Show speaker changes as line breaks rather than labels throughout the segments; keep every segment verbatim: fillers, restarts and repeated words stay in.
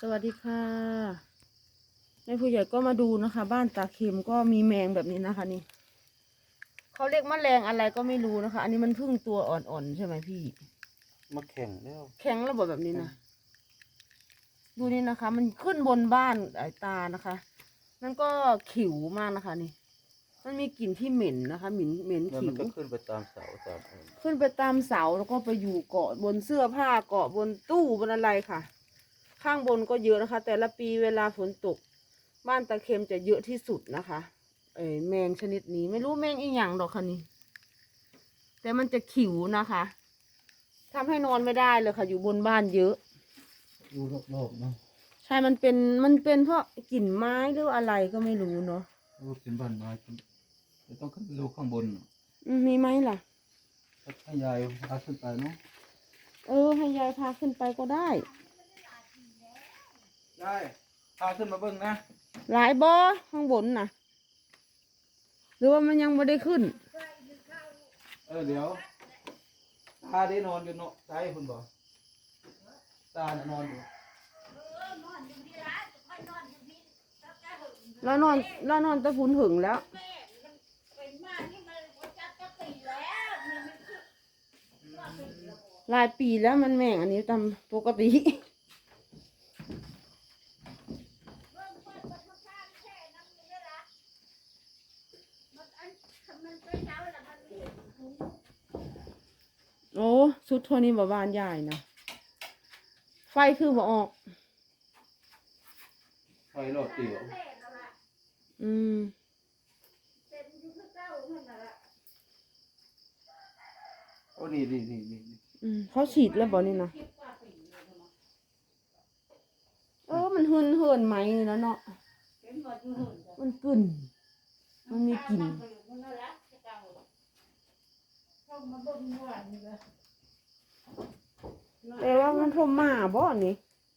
สวัสดีค่ะแม่ผู้ใหญ่ก็มาดูนะคะ บ้านตาเข็มก็มีแมงแบบนี้นะคะนี่เขาเรียกแมลงอะไรก็ไม่รู้นะคะ อันนี้มันเพิ่งตัวอ่อนๆใช่ไหมพี่
มาแข่งแล้ว
แข็งระบบแบบนี้นะดูนี่นะคะ มันขึ้นบนบ้านไอ้ตานะคะนั่นก็ขิวมากนะคะนี่มันมีกลิ่นที่เหม็นนะคะเหม็นเหม็น
แล้ว
ขิว
มันก็ขึ้นไปตามเสาตามอะไร
ขึ้นไปตามเสาแล้วก็ไปอยู่เกาะบนเสื้อผ้าเกาะบนตู้บนอะไรค่ะ ข้างบนก็เยอะนะคะ แต่ละปีเวลาฝนตกบ้านตาเข็มจะเยอะที่สุดนะคะเออแมงชนิดนี้ไม่รู้แมงอีหยังดอกค่ะนี่แต่มันจะขิวนะคะทำให้นอนไม่ได้เลยค่ะอยู่บนบ้านเยอะ
อยู่รอบๆเนาะ
ใช่มันเป็นมันเป็นเพราะกลิ่นไม้หรืออะไรก็ไม่รู้เนาะ
โอ้เป็นบ้านไม้จะต้องขึ้นไปดูข้างบน
อืมมีไหมล่ะ
ให้ยายพาขึ้นไปเนาะ
เออให้ยายพาขึ้นไปก็ได้
ยายพาขึ้นมาเบิ้งนะ
หลายบ่อข้างบนนะหรือว่ามันยังไม่ได้ขึ้น
เออเดี๋ยวตาได้นอนอยู่เนาะตาให้คุณบอกตาน่ะนอนอยู่
แล้วนอนแล้วนอนตะพุนหึงแล้วหลายปีแล้วมันแม่งอันนี้ตามปกติโอ้ชุดเท่านี้บ่บานใหญ่นะไฟคือบ่ออก
ไฟรอดเตี๋ยว
อืม
โอ้นี่นี่นี่นี่
อืมเขาฉีดแล้วบ่นี่นะเออมันหืนเหินไหมนี่แล้วเนาะมันกลิ่นมันมีกลิ่นแต่ว่ามันทมมาบ่นี่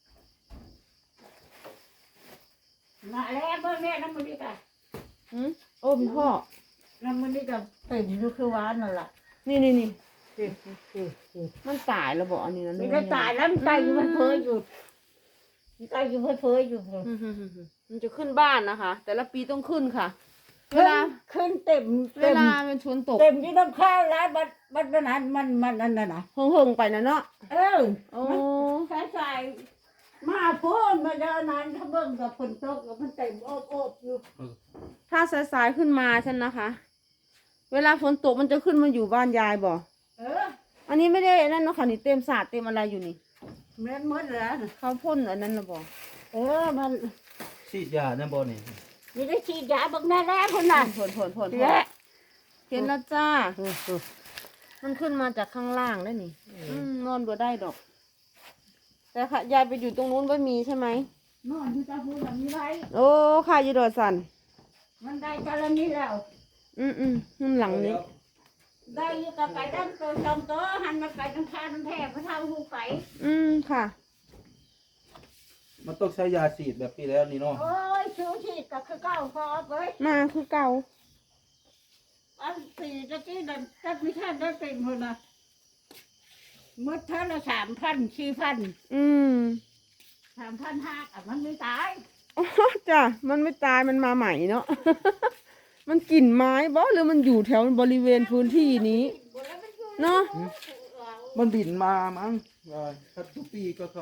มาแล้วเมื่อแม่น้ำมันนี่กัน
อืมโอ้พี่พ่อ
น้ำมันนี่กันเต็มอยู่คือวานนั่นแหละ
นี่นี่นี่มันตายแล้วบ่อันนี้นะ
ไม่ได้ตายแล้วมันตายอยู่มันเพ้ออยู่มันตายอยู่มันเพ้ออยู่
มันจะขึ้นบ้านนะคะ แต่ละปีต้องขึ้นค่ะเวลา
ขึ้นเต็ม
เวลามันชนตก
เต็มที่น้ำข้าวแล้วมันมันมันนั้นมันมันนั่นน่ะนะ
เฮิงๆไปนะเนาะ
เออ
โอ้
ใส่ใส่มาพ่นมาเดินนั้นถ้าเบิ่งกับฝนตกกับมันเต็มโอบโอบอยู่
ถ้าสายๆขึ้นมาฉันนะคะ เวลาฝนตกมันจะขึ้นมาอยู่บ้านยายบ่
เออ
อันนี้ไม่ได้นั่นเนาะค่ะนี่เต็มสาดเต็มอะไรอยู่นี่
เหมือนหมดแล้ว
เขาพ่นอันนั้นละบ่
เออมัน
ฉีดยาเนี่ยบ่นี่
นี่ได้ฉีดยาบักแน่แล้วคนน่ะ
พ่นพ่นพ่นพ่นเห็นแล้วจ้ามันขึ้นมาจากข้างล่างได้นี่นอนบ่ได้ดอกแต่ค่ะยายไปอยู่ตรงนู้นไม่มีใช่ไหม
นอนอยู่ตาพูดแบบนี้ไร
โอ้ค่ะยีดอสัน
มันได้กรณีแล้ว
อืมอืมนั่นหลังนี้
ได้อยู่กับไก่ตั้งตัวชมตัวหันมาไก่ตั้งข้าตั้งแทบพระเท่าหูไก่
อืมค่ะ
มันต้องใช้ยาฉีดแบบปีแล้วนี่เนาะ
โอ้ยชูฉีดกับคือเก่าพอเลย
มาคือเก่า
อันสี่ตะกี้นั่นถ้าไม่ท่านได้เต็มเลยนะมืดท่านละสามพันสี่พัน
อืม
สามพันห้าอ่ะมันไม่ตาย
อ๋อจ้ะมันไม่ตายมันมาใหม่เนาะ มันกลิ่นไม้บ่หรือมันอยู่แถวบริเวณพื้นที่นี้เนาะ
มันบินมามั้งถ้าทุกปีก็เขา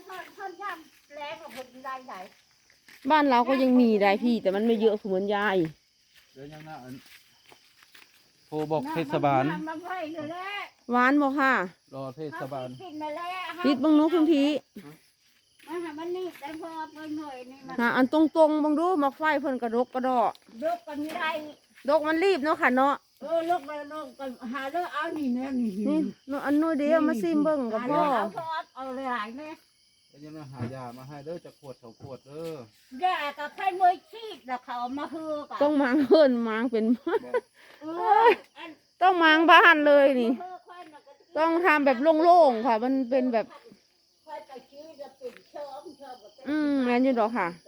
บ้านเราก็ยังมีได้พี่แต่มันไม่เยอะเหมือนยาย
เดี๋ยวยังน่าโทรบอกเทศบาล
หวานบอกค่ะ
รอเทศบาล
ปิดบังนุคุณพี่หาอันตรงๆบังดูมักไฟเพิ่นกระดกกระดอก
ดกกันไม่ได้
ดกมันรีบเนาะค่ะเนาะ
เออลูกไปลูกกันหาเรื่องเอานี่เนี่ยนี่
นี่noอันนู้นเดียวมาซิมเบิ่งกับพ่อ
เอาพอเอาเลยหายไหม
แล้วยังมาหายามาให้เด้อจะขวดเถาขวดเด้
อยากับใครมือชีดแล้วเขามาฮือกัน
ต้องมางเพิ่นมางเป็นต้องมางบ้านเลยนี่ต้องทำแบบโล่งๆค่ะมันเป็นแบบอืมแม่นอยู่ดอกค่ะ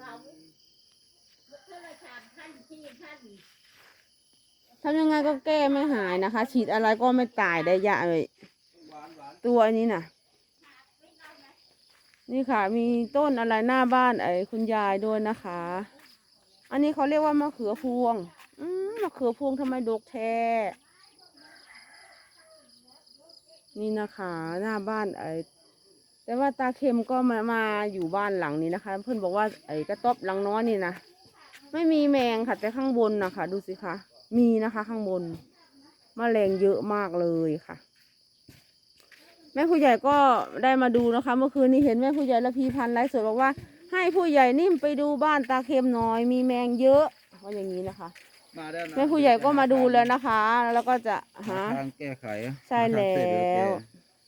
ทำยังไงก็แก้ไม่หายนะคะฉีดอะไรก็ไม่ตายได้ยะเลยตัวนี้น่ะนี่ค่ะ มีต้นอะไรหน้าบ้านไอ้คุณยายด้วยนะคะ อันนี้เขาเรียกว่ามะเขือพวง อืมมะเขือพวงทำไมดกแท้นี่นะคะ หน้าบ้านไอ้แต่ว่าตาเข็มก็มามาอยู่บ้านหลังนี้นะคะ เพื่อนบอกว่าไอ้กระต๊อบหลังน้อยนี่นะไม่มีแมงค่ะ แต่ข้างบนนะคะดูสิคะมีนะคะ ข้างบนแมลงเยอะมากเลยค่ะ แม่ผู้ใหญ่ก็ได้มาดูนะคะ เมื่อคืนนี้เห็นแม่ผู้ใหญ่ละพีพันธ์ไลฟ์สดบอกว่าให้ผู้ใหญ่นิ่มไปดูบ้านตาเข็มหน่อยมีแมงเยอะว่าอย่างนี้นะคะ
มาแล้วนะ
แม่ผู้ใหญ่ก็มาดูแล้วนะคะ แล้วก็จะหา
ทางแก้ไข
ใช่แล้ว
หาทางเสร็จเดี๋ยแก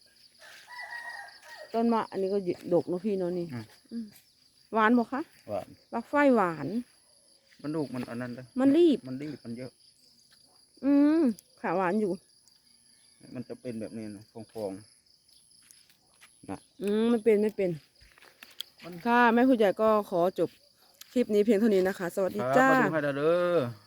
ต้นมะอันนี้ก็ดกเนอะพี่เนาะนี่
อืม
อืมหวานบอกคะ
หวาน
บักไฟหวาน
มันลูกมันอันนั้นเลย
มันรีบ
มันรีบมันเยอะ
อืมค่ะหวานอยู่
มันจะเป็นแบบนี้นะฟองๆนะ
อืมไม่เป็นไม่เป็นค่ะแม่ผู้ใหญ่ก็ขอจบคลิปนี้เพียงเท่านี้นะคะ สวัสดี
ครับ
จ้า
มาดูให้ได้เด้อ